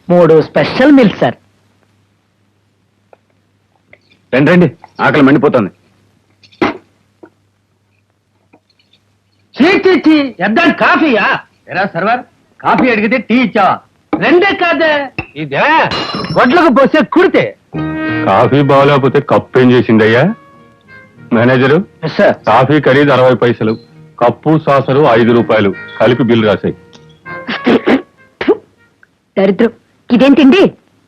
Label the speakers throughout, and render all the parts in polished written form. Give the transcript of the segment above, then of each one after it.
Speaker 1: 3 special meals sir.
Speaker 2: రండి రండి, ఆకలి మండిపోతుంది.
Speaker 1: చీ ఎద్దాని కాఫీయా? ఎరా సర్వర్, కాఫీ అడిగితే టీ ఇచ్చావా? 2 కాదే, ఇదే గొడ్లకు పోసే కుడితే.
Speaker 2: కాఫీ బాగోలేకపోతే కప్పు ఏం చేసిందయ్యా? మేనేజరు,
Speaker 1: సార్
Speaker 2: కాఫీ ఖరీదు 60 పైసలు, కప్పు సాసరు 5 రూపాయలు, కలిపి బిల్లు రాశాయి.
Speaker 3: దరిద్రం, ఇదేం తిండి?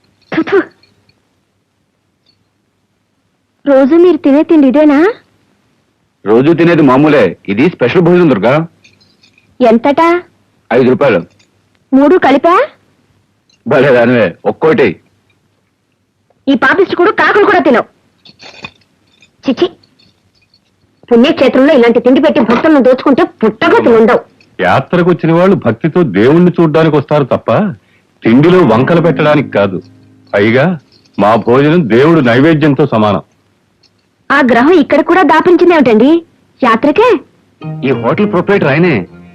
Speaker 3: రోజు మీరు తినే తిండి ఇదేనా?
Speaker 2: రోజు తినేది మామూలే, ఇది స్పెషల్ భోజనం దుర్గా.
Speaker 3: ఎంతటా?
Speaker 2: 5 రూపాయలు.
Speaker 3: 3 కలిపా?
Speaker 2: భలే దానివే, ఒక్కోటి.
Speaker 3: ఈ పాపిస్ట్ కూడా కాకులు కూడా తినవు. చిచి, పుణ్యక్షేత్రంలో ఇలాంటి తిండి పెట్టి భక్తులను దోచుకుంటే పుట్టగతులు ఉండవు.
Speaker 2: యాత్రకు వచ్చిన వాళ్ళు భక్తితో దేవుణ్ణి చూడ్డానికి వస్తారు తప్ప తిండిలో వంకలు పెట్టడానికి కాదు. పైగా మా భోజనం దేవుడు నైవేద్యంతో సమానం.
Speaker 3: ఆ గ్రహం ఇక్కడ కూడా దాపించింది ఏమిటండి? యాత్రకే?
Speaker 2: ఈ హోటల్ ప్రొపరేటర్ ఆయనే.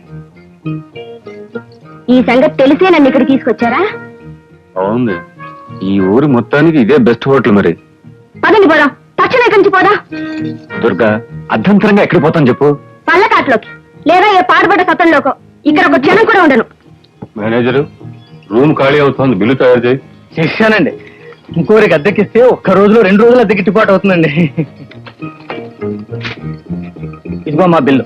Speaker 3: ఈ సంగతి తెలిసే నన్ను ఇక్కడ తీసుకొచ్చారా?
Speaker 2: అవును, ఈ ఊరు మొత్తానికి ఇదే బెస్ట్ హోటల్. మరి
Speaker 3: పదండి పోదాం, తక్షణ ఇక్కడి నుంచి పోదాం.
Speaker 2: దుర్గా, అర్ధంతరంగా ఎక్కడ పోతాం చెప్పు?
Speaker 3: పళ్ళకాట్లోకి, లేదా ఏ పాడుబడ్డ సతంలోకో. ఇక్కడ ఒక క్షణం కూడా ఉండను.
Speaker 2: మేనేజరు, రూమ్ ఖాళీ అవుతోంది, బిల్లు తయారు చేయి.
Speaker 1: చేశానండి. ఇంకోరికి అద్దెకిస్తే 1 రోజులో 2 రోజులు అద్దె గిట్టుబాటు అవుతుందండి. ఇదిగో మా బిల్లు.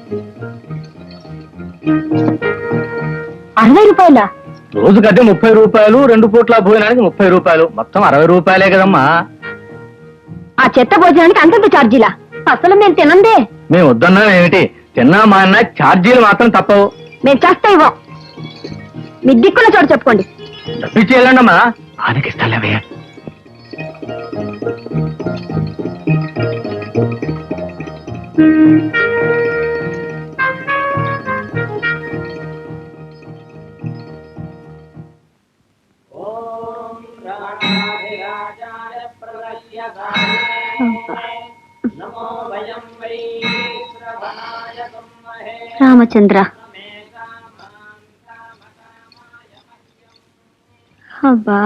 Speaker 3: 60 రూపాయలా?
Speaker 1: రోజుకి అద్దె 30 రూపాయలు, 2 పూట్ల భోజనానికి 30 రూపాయలు, మొత్తం 60 రూపాయలే కదమ్మా.
Speaker 3: ఆ చెత్త భోజనానికి అంతంత ఛార్జీలా? అసలు మేము తినందే.
Speaker 1: మేము వద్దన్నా ఏమిటి, తిన్నా మా అన్న ఛార్జీలు మాత్రం తప్పవు.
Speaker 3: మేము చేస్తా ఇవ్వం. మీ దిక్కున్న చోట చెప్పుకోండి.
Speaker 1: తప్పించి వెళ్ళండమ్మా.
Speaker 2: ఆనకిస్తాలేవయ్యా.
Speaker 3: రామచంద్ర, అబ్బా,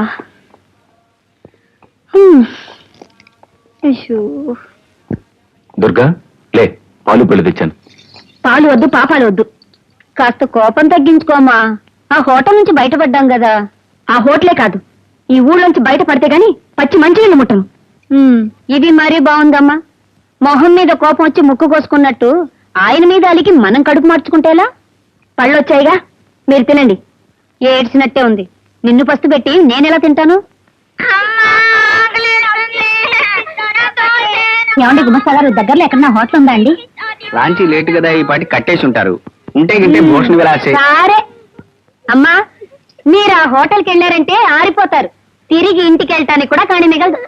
Speaker 2: దుర్గా, లే, పాలు పళ్ళు తెచ్చాను.
Speaker 3: పాలు వద్దు, పాపాలు వద్దు. కాస్త కోపం తగ్గించుకోమా. ఆ హోటల్ నుంచి బయటపడ్డాం కదా. ఆ హోటలే కాదు, ఈ ఊళ్ళోంచి బయటపడితే గాని పచ్చి మంచినీళ్ళు ముట్టను. ఇది మరీ బాగుందమ్మా. మొహం మీద కోపం వచ్చి ముక్కు కోసుకున్నట్టు ఆయన మీద అలికి మనం కడుపు మార్చుకుంటేలా? పళ్ళొచ్చాయిగా, మీరు తినండి. ఏడ్చినట్టే ఉంది. నిన్ను పస్తు పెట్టి నేనెలా తింటాను? ఏమండి గుమస్తా గారు, దగ్గరలో ఎక్కడన్నా హోటల్ ఉందా అండి?
Speaker 1: లాంచీ లేట్ కదా, ఈ పాటి కట్టేసి ఉంటారు. ఉంటే గింటే భోషణ విలాసే.
Speaker 3: సరే అమ్మా, మీరు ఆ హోటల్కి వెళ్ళారంటే ఆరిపోతారు. తిరిగి ఇంటికి వెళ్ళటానికి కూడా కానీ మిగలదు.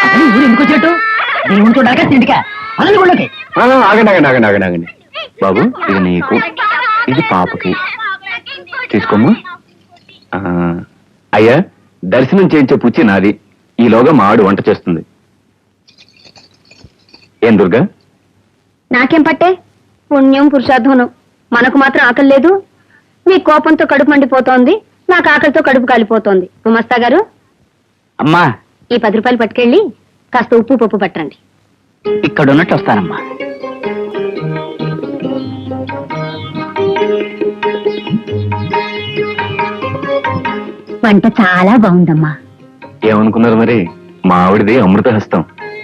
Speaker 2: ఆగండి ఆగండి ఆగండి ఆగండి ఆగండి. బాబు, ఇది నీకు, ఇది పాపకి. తీసుకోమ్మా. అయ్యా, దర్శనం చేయించే పుచ్చి నాది. ఈలోగా మా ఆడు వంట చేస్తుంది. ఏం దుర్గా?
Speaker 3: నాకేం పట్టే? పుణ్యం పురుషాధ్వనం. మనకు మాత్రం ఆకలి లేదు. మీ కోపంతో కడుపు మండిపోతోంది, నాకు ఆకలితో కడుపు కాలిపోతోంది. గుమస్తా గారు,
Speaker 1: అమ్మా,
Speaker 3: ఈ 10 రూపాయలు పట్టుకెళ్ళి కాస్త ఉప్పు పప్పు పట్టండి.
Speaker 1: ఇక్కడ ఉన్నట్టు వస్తానమ్మా.
Speaker 3: వంట చాలా బాగుందమ్మా.
Speaker 2: ఏమనుకున్నారు మరి? మా ఆవిడది అమృత హస్తం.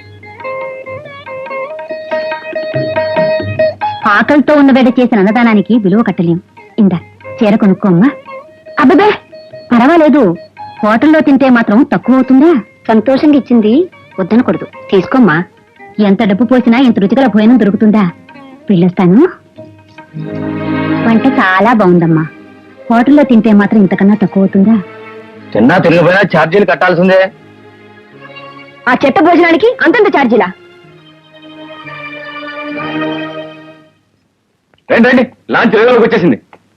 Speaker 3: ఆకలితో ఉన్న బిడ్డ చేసిన అన్నదానానికి విలువ కట్టలేం. ఇందా చీర కొనుక్కోమ్మా. అబ్బే, పర్వాలేదు. హోటల్లో తింటే మాత్రం తక్కువ అవుతుందా? సంతోషంగా ఇచ్చింది, వద్దనకూడదు. తీసుకోమ్మా. ఎంత డబ్బు పోసినా ఇంత రుచిగల భోజనం దొరుకుతుందా? వెళ్ళొస్తాను. వంట చాలా బాగుందమ్మా. హోటల్లో తింటే మాత్రం ఇంతకన్నా తక్కువ అవుతుందా?
Speaker 1: తిన్నా తిరిగిపోయినా ఛార్జీలు కట్టాల్సిందే.
Speaker 3: ఆ చెత్త భోజనానికి అంతంత ఛార్జీలా?
Speaker 2: రండి రండి, లాంచ్ రేవులోకి వచ్చేసింది.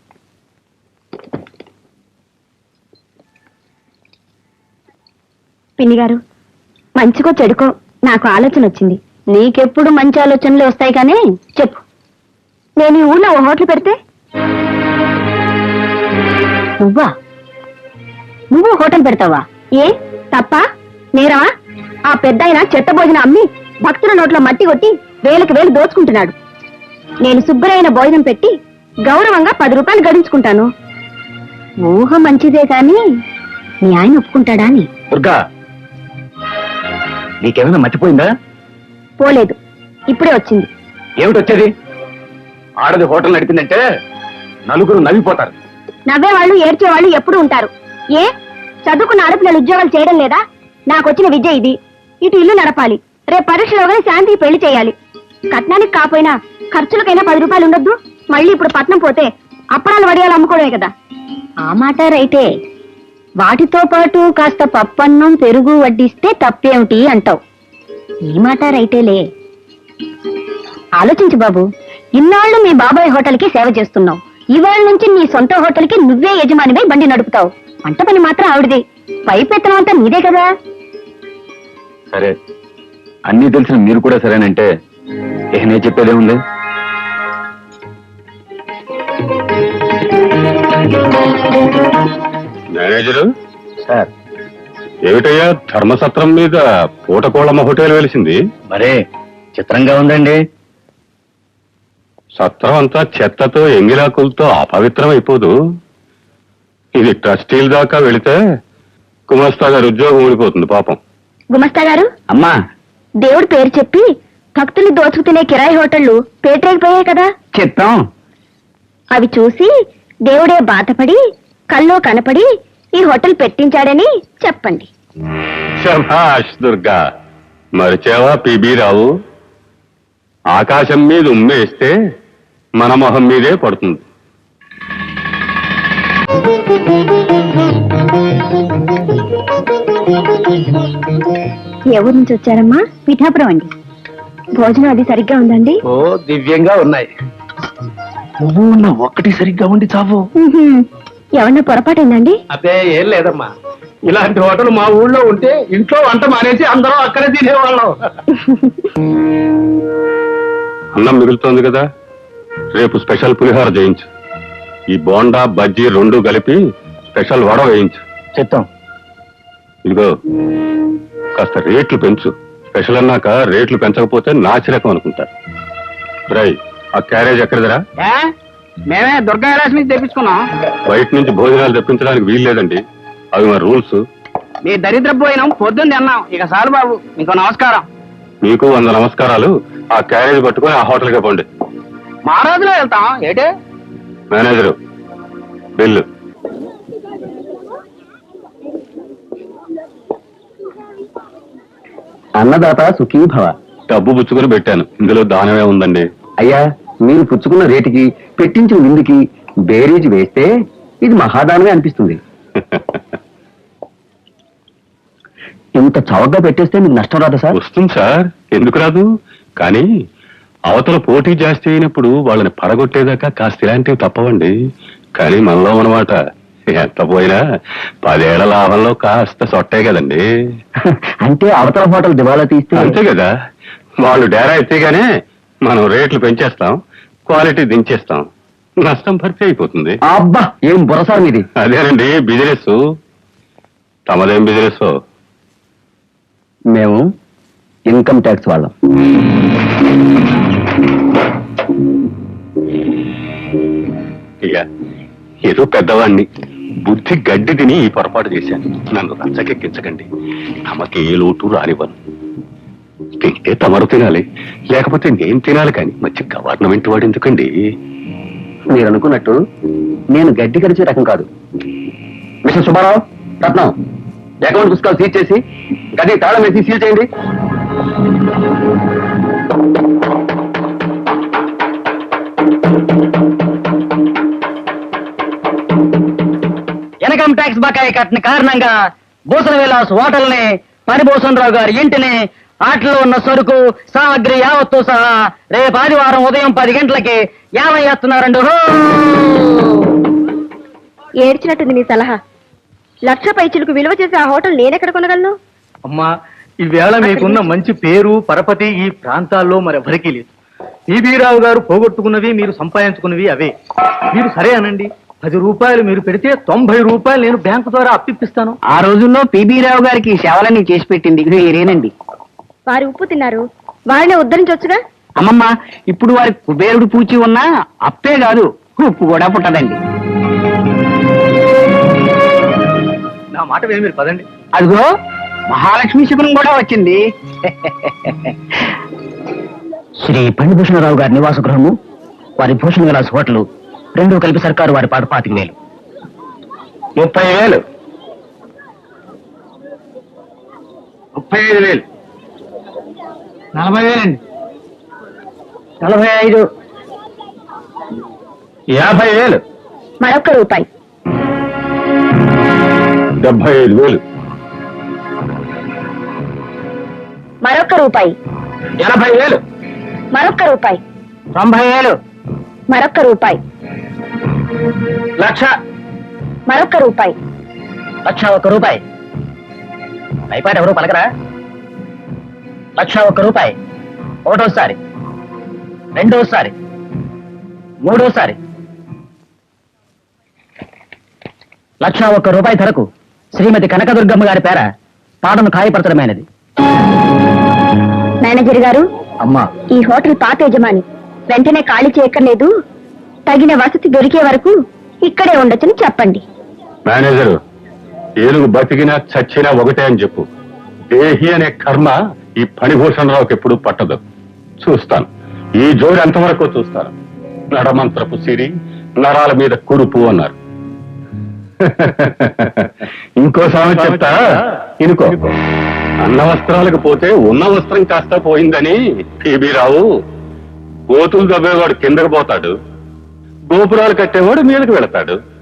Speaker 3: పిన్ని గారు, మంచికో చెడుకో నాకు ఆలోచన వచ్చింది. నీకెప్పుడు మంచి ఆలోచనలు వస్తాయి కానీ చెప్పు. నేను ఈ ఊళ్ళో ఓ హోటల్ పెడితే? నువ్వు హోటల్ పెడతావా? ఏ తప్ప నేరమా? ఆ పెద్దాయన చెత్త భోజనం అమ్మి భక్తుల నోట్లో మట్టి కొట్టి వేలకు వేలు దోచుకుంటున్నాడు. నేను శుభ్రమైన భోజనం పెట్టి గౌరవంగా 10 రూపాయలు గడించుకుంటాను. ఊహ మంచిదే కాని మీ ఆయన ఒప్పుకుంటాడా అని.
Speaker 1: దుర్గా, నీకేమైనా మర్చిపోయిందా?
Speaker 3: పోలేదు, ఇప్పుడే వచ్చింది.
Speaker 1: ఏమిటి వచ్చేది? ఆడది హోటల్ నడిపిందంటే నలుగురు నవ్విపోతారు.
Speaker 3: నవ్వేవాళ్ళు ఏడ్చేవాళ్ళు ఎప్పుడు ఉంటారు. ఏ చదువుకున్న ఆడపిల్లలు ఉద్యోగాలు చేయడం లేదా? నాకొచ్చిన విద్య ఇది. ఇటు ఇల్లు నడపాలి, రేపు పరీక్షలోగానే శాంతికి పెళ్లి చేయాలి. కట్నానికి కాపోయినా ఖర్చులకైనా 10 రూపాయలు ఉండొద్దు. మళ్ళీ ఇప్పుడు పట్నం పోతే అప్పడాలు వడియాలు అమ్ముకోవడమే కదా. ఆ మాట రైతే. వాటితో పాటు కాస్త పప్పన్నం పెరుగు వడ్డిస్తే తప్పేమిటి అంటావు. ఈ మాట రైతేలే. ఆలోచించు బాబు, ఇన్నాళ్ళు మీ బాబాయ్ హోటల్కి సేవ చేస్తున్నావు. ఇవాళ నుంచి నీ సొంత హోటల్కి నువ్వే యజమానివై బండి నడుపుతావు. వంట పని మాత్రం ఆవిడది, పైపెత్తనం అంతా నీదే కదా.
Speaker 2: సరే, అన్నీ తెలిసిన మీరు కూడా సరేనంటే నేను చెప్పేదే ఉంది. మేనేజరు
Speaker 1: సార్,
Speaker 2: ఏమిటయ్యా ధర్మసత్రం మీద పూటకోళమ్మ హోటల్ వెలిసింది?
Speaker 1: మరే చిత్రంగా ఉందండి.
Speaker 2: సత్రం అంతా చెత్తతో ఎంగిలాకులతో అపవిత్రం అయిపోదు. ఇది ట్రస్టీల దాకా వెళితే గుమస్తా గారి ఉద్యోగం ఊడిపోతుంది పాపం.
Speaker 3: గుమస్తా గారు,
Speaker 1: అమ్మా,
Speaker 3: దేవుడి పేరు చెప్పి భక్తులు దోచుకు తినే కిరాయి హోటళ్లు పేటరేగిపోయాయి కదా.
Speaker 1: చిత్తం.
Speaker 3: అవి చూసి దేవుడే బాధపడి కల్లో కనపడి ఈ హోటల్ పెట్టించాడని చెప్పండి.
Speaker 2: శభాష్ దుర్గా, మరిచేవా పిబి రావు? ఆకాశం మీద ఉమ్మేస్తే మన మొహం మీదే పడుతుంది.
Speaker 3: ఏ ఊరు నుంచి వచ్చారమ్మా? పిఠాపురం అండి. భోజనం అది సరిగ్గా ఉందండి?
Speaker 1: ఓ దివ్యంగా ఉన్నాయి. నువ్వు ఉన్న ఒక్కటి సరిగ్గా ఉండి చావు.
Speaker 3: ఏమన్నా పొరపాటైందండి?
Speaker 1: అదే ఏం లేదమ్మా, ఇలాంటి హోటల్ మా ఊళ్ళో ఉంటే ఇంట్లో వంట మానేసి అందరం అక్కడే తినేవాళ్ళం.
Speaker 2: అన్నం మిగులుతోంది కదా, రేపు స్పెషల్ పులిహోర చేయించు. ఈ బోండా బజ్జీ 2 కలిపి స్పెషల్ వడ వేయించు.
Speaker 1: చిత్తం.
Speaker 2: ఇదిగో కాస్త రేట్లు పెంచు. స్పెషల్ అన్నాక రేట్లు పెంచకపోతే నాచిరకం అనుకుంటారు. రై, ఆ క్యారేజ్ ఎక్కడిదరా?
Speaker 1: మేమే దుర్గా విలాస్ నుంచి తెప్పించుకున్నాం.
Speaker 2: బయట నుంచి భోజనాలు తెప్పించడానికి వీలు లేదండి, అవి మా రూల్స్.
Speaker 1: మీ దరిద్ర పోయినాం, పొద్దున్న తిన్నాం. ఇక సార్ బాబు, మీకు నమస్కారం.
Speaker 2: మీకు 100 నమస్కారాలు. ఆ క్యారేజ్ పట్టుకొని ఆ హోటల్కే పోండి.
Speaker 1: మా రోజులో వెళ్తాం ఏటే.
Speaker 2: Manager, bill.
Speaker 4: అన్నదాత సుఖీభవ.
Speaker 2: డబ్బు పుచ్చుకొని పెట్టాను, ఇందులో దానమే ఉందండి.
Speaker 4: అయ్యా, మీరు పుచ్చుకున్న రేటుకి పెట్టించిన విందుకి బేరీజ్ వేస్తే ఇది మహాదానమే అనిపిస్తుంది. ఇంత చౌకగా పెట్టేస్తే మీకు నష్టం రాదా సార్?
Speaker 2: వస్తుంది సార్, ఎందుకు రాదు? కానీ అవతల పోటీ జాస్తి అయినప్పుడు వాళ్ళని పడగొట్టేదాకా కాస్త ఇలాంటివి తప్పవండి. కానీ మనలో అన్నమాట ఎంత పోయినా 10 ఏళ్ల లాభంలో కాస్త సొట్టే కదండి.
Speaker 4: అంటే అవతల హోటల్ దివాలా తీస్తే
Speaker 2: అంతే కదా, వాళ్ళు డేరా ఎత్తేగానే మనం రేట్లు పెంచేస్తాం, క్వాలిటీ దించేస్తాం, నష్టం భర్తీ అయిపోతుంది.
Speaker 4: అబ్బా, ఏం బుర్రసార్ మీది.
Speaker 2: అదేనండి బిజినెస్. తమదేం బిజినెస్?
Speaker 4: మేము ఇన్కమ్ ట్యాక్స్ వాళ్ళం.
Speaker 2: ఇక ఏదో పెద్దవాణ్ణి బుద్ధి గడ్డి తిని ఈ పొరపాటు చేశాను. నన్ను రచ్చకెక్కించకండి. తమకి ఏ లోటు రానివ్వను. తింటే తమరు తినాలి, లేకపోతే నేను తినాలి. కానీ మంచి గవర్నమెంట్ వాడు ఎందుకండి?
Speaker 4: మీరు అనుకున్నట్టు నేను గడ్డి కరిచే రకం కాదు. మిస్టర్ సుబ్బారావు, రత్నం, అకౌంట్ పుస్తకాలు సీజ్ చేసి గది తాళం వేసి సీల్ చేయండి.
Speaker 1: ఇన్కమ్ ట్యాక్స్ బకాయి కట్టిన కారణంగా భూషణ విలాస్ హోటల్ని, పరిభూషణరావు గారి ఇంటిని, ఆటలో ఉన్న సరుకు సామగ్రి యావత్తు సహా రేపు ఆదివారం ఉదయం 10 గంటలకి ఏమయ్యేస్తున్నారండి.
Speaker 3: ఏడ్చినట్టుంది నీ సలహా. 1,00,000 పైచిలకు విలువ చేసి ఆ హోటల్ నేనెక్కడ కొనగలను?
Speaker 1: అమ్మా, ఈవేళ మీకున్న మంచి పేరు పరపతి ఈ ప్రాంతాల్లో మరెవరికీ లేదు. ఈబీరావు గారు పోగొట్టుకున్నవి మీరు సంపాదించుకున్నవి అవే. మీరు సరే అనండి, రూపాయలు మీరు పెడితే 90 రూపాయలు నేను బ్యాంకు ద్వారా అప్పిస్తాను.
Speaker 4: ఆ రోజుల్లో పిబి రావు గారికి ఈ సేవలన్నీ చేసి పెట్టింది మీరేనండి.
Speaker 3: వారి ఉప్పు తిన్నారు, వారిని ఉద్ధరించవచ్చుగా.
Speaker 4: అమ్మమ్మ, ఇప్పుడు వారి కుబేరుడు పూచి ఉన్నా అప్పే కాదు ఉప్పు కూడా పుట్టదండి.
Speaker 1: నా మాట విని మీరు పదండి.
Speaker 4: అదిగో మహాలక్ష్మి శిబిరం కూడా వచ్చింది. శ్రీ పండిభూషణరావు గారి నివాస గృహము, వారి భూషణ విలాస్ హోటల్ రెండూ కలిపి సర్కారు వారి పాటు 25,000.
Speaker 2: 30,000, 35,000,
Speaker 1: 40,000 అండి. 45,
Speaker 2: 50,000,
Speaker 3: మరొక రూపాయి.
Speaker 2: 75,000,
Speaker 3: మరొక రూపాయి.
Speaker 2: 80,000,
Speaker 3: మరొక రూపాయి.
Speaker 1: 90,000,
Speaker 3: మరొక రూపాయి.
Speaker 2: 1,00,000,
Speaker 3: మరొక రూపాయి.
Speaker 1: 1,01 రూపాయి. అయిపోయాడు ఎవరు పలకరా? 1,01 రూపాయి. ఒకటోసారి, రెండోసారి, మూడోసారి. 1,01 రూపాయి ధరకు శ్రీమతి కనకదుర్గమ్మ గారి పేర పాటను ఖాయపరచడమైనది.
Speaker 3: మేనేజర్ గారు,
Speaker 1: అమ్మా,
Speaker 3: ఈ హోటల్ పాత యజమాని వెంటనే ఖాళీ చేయక్కర్లేదు. తగిన వసతి దొరికే వరకు ఇక్కడే ఉండొచ్చని చెప్పండి.
Speaker 2: మేనేజరు, ఏనుగు బతికినా చచ్చినా ఒకటే అని చెప్పు. దేహి అనే కర్మ ఈ ఫణిభూషణరావుకి ఎప్పుడు పట్టదు. చూస్తాను, ఈ జోడి అంతవరకు చూస్తాను. నడమంత్రపు సిరి, నరాల మీద కురుపు అన్నారు. ఇంకో సామెత చెప్తా, ఇనుకో. అన్న వస్త్రాలకు పోతే ఉన్న వస్త్రం కాస్త పోయిందని పిబి రావు. గోతులు దవ్వేవాడు కిందకు పోతాడు, గోపురాలు కట్టేవాడు మీదకు వెళతాడు.